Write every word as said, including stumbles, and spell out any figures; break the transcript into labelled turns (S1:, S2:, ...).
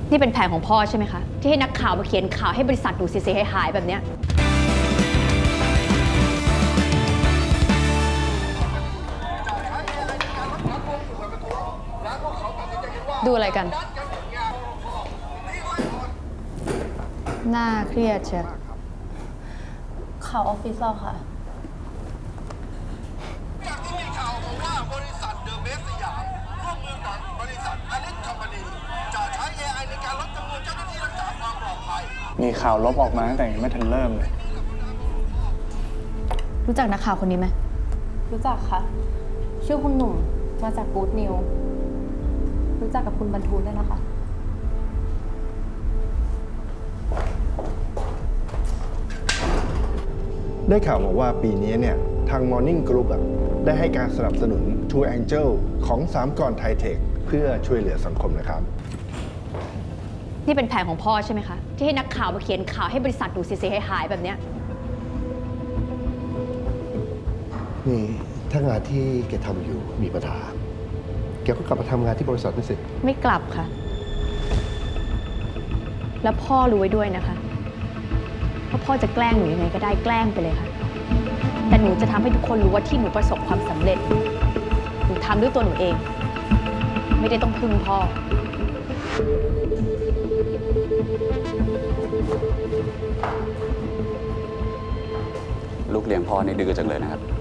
S1: นี่เป็นแผนของพ่อใช่ไหมคะที่ให้นักข่าวมาเขียนข่าวให้บริษัทหนูเสียหายๆแบบเนี้ยดูอะไรกันน่าเครียดเชียว
S2: ข่าวออฟฟิศเราค่ะ
S3: จากที่มีข่าวมาว่าบริษัทเดอะเบสสยามร่วมมือกับบริษัทอลิสคอมพานีจะใช้ เอ ไอ ในการลดจำนวนเจ้าหน้าที่รักษาความปลอดภัย
S4: มีข่าวลบออกมาตั้งแต่ยังไม่ทันเริ่มเลย
S1: รู้จักนักข่าวคนนี้ไหม
S2: รู้จักค่ะชื่อคุณหนุ่มมาจากกู๊ดนิวรู้จักกับคุณบรรทูลด้วยนะคะ
S5: ได้ข่าวมาว่าปีนี้เนี่ยทาง Morning Group อ่ะได้ให้การสนับสนุน True Angel ของสามกรไทยเทคเพื่อช่วยเหลือสังคมนะครับ
S1: นี่เป็นแผนของพ่อใช่ไหมคะที่ให้นักข่าวมาเขียนข่าวให้บริษัทหนูเสียหายๆแบบเนี้ย
S6: นี่ถ้างานที่แกทำอยู่มีปัญหาแกก็กลับมาทำงานที่บริษัทนี่สิ
S1: ไม่กลับค่ะแล้วพ่อรู้ไว้ด้วยนะคะว่าพ่อจะแกล้งหนูยังไงก็ได้แกล้งไปเลยค่ะแต่หนูจะทำให้ทุกคนรู้ว่าที่หนูประสบความสำเร็จหนูทำด้วยตัวหนูเองไม่ได้ต้องพึ่งพ่อ
S7: ลูกเลี้ยงพ่อนี่ดื้อจังเลยนะครับ